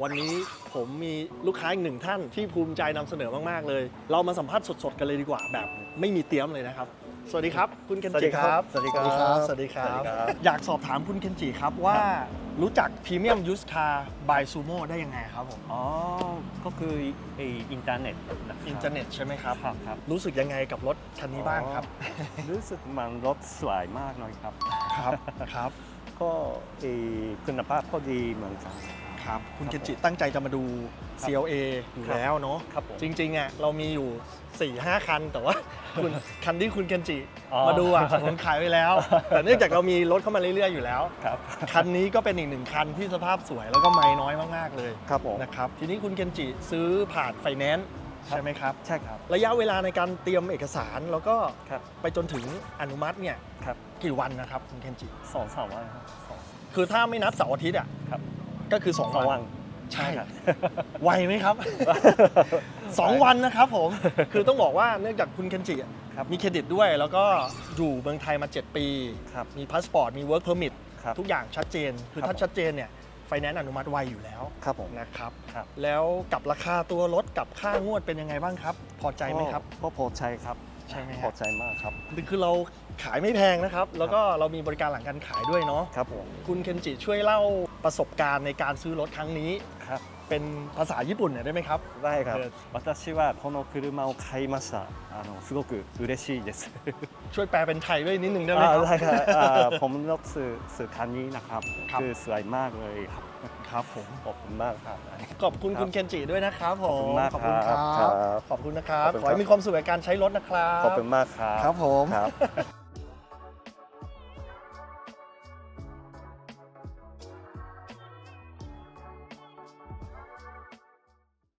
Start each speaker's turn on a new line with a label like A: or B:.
A: วันนี้ผมมีลูกค้าอีกหนึ่งท่านที่ภูมิใจนำเสนอมากๆเลยเรามาสัมภาษณ์สดๆกันเลยดีกว่าแบบไม่มีเตรียมเลยนะครับสวัสดีครับคุณเคนจิครับ
B: สวัสดีครับ
A: สวัสดีครับอยากสอบถามคุณเคนจิครับว่ารู้จักพรีเมียมยูสคาร์บายซูโม่ได้ยังไงครับผม
B: อ๋อก็คืออินเทอร์เน็ตนะครับ
A: อินเทอร์เน็ตใช่ไหมครับ
B: ครับ
A: รู้สึกยังไงกับรถคันนี้บ้างครับ
B: รู้สึกมันรถสวยมากเลยครับ
A: ครับ
B: ก็คุณภาพก็ดีเหมือนกัน
A: ครับคุณเคนจิตั้งใจจะมาดู CLA อยู่แล้วเนาะ
B: ครับผม
A: จริงๆอ่ะเรามีอยู่ 4-5 คัน แต่ว่าคันที่คุณเคนจิ
B: อ๋อ
A: มาดูอ่ะผมขายไปแล้ว แต่เนื่องจากเรามีรถเข้ามาเรื่อยๆอยู่แล้ว
B: ครับ
A: คันนี้ก็เป็นอีกหนึ่งคันที่สภาพสวยแล้วก็ไม่น้อยมากๆเลย
B: ครับผม
A: นะครับทีนี้คุณเคนจิซื้อผ่านไฟแนนซ์ใช่ไหมครับ
B: ใช่ครับ
A: ระยะเวลาในการเตรียมเอกสารแล้วก็
B: ครับ
A: ไปจนถึงอนุมัติเนี่ย
B: ครับ
A: กี่วันนะครับคุณเคนจิ
B: 2-3 วันครับ
A: คือถ้าไม่นับเสาร์อาทิตย์อ่ะ
B: ครับ
A: ก็คือ 2
B: 2
A: วั
B: วัน น
A: ใช่
B: ครับ
A: ไวไหมครับ 2 วันนะครับผม คือต้องบอกว่าเนื่องจากคุณเคนจิอะ
B: ครับ
A: มีเครดิตด้วย แล้วก็อยู่เมืองไทยมา 7 ปี
B: ครับ
A: มีพาสปอร์ต มีเวิร์กเพอร์มิท
B: ครับ
A: ทุกอย่างชัดเจน คือ
B: ครับ
A: ถ้าชัดเจนเนี่ย ไฟแนนซ์อนุมัติไวอยู่แล้ว
B: ครับผม
A: นะครับ
B: ครับ
A: แล้วกับราคาตัวรถกับค่างวดเป็นยังไงบ้างครับ พอใจไหมครับ
B: ก็พอใจครับ
A: ใช่ไหมฮะ
B: พอใจมากครับ
A: คือเราขายไม่แพงนะครับ แล้วก็เรามีบริการหลังการขายด้วยเนาะ
B: ครับผม
A: คุณเคนจิช่วยเล่าประสบการณ์ในการซื้อรถครั้งนี้
B: ครับ
A: เป็นภาษาญี่ปุ่นหน่อยได้ไหมครับ
B: ได้ครับ
A: เออ
B: 私はこの車を買いましたすごく嬉しいです
A: ช่วยแปลเป็นไทยด้วยนิดนึงได้ไหมครับ
B: ได้ครับผมรถสื่อคันนี้นะครับ
A: ครับ
B: คือสวยมากเลยครับ
A: ครับผม
B: ขอบคุณมากครับ
A: ขอบคุณ
B: ครับ
A: คุณเคนจิด้วยนะครับผม
B: ขอบคุณมากครับ
A: ขอบคุณนะครับ
B: ขอบคุณครับ
A: ขอให้มีความสุขกับการใช้รถนะครับ
B: ขอบคุณมากครับ
A: ครับผม
B: ครับ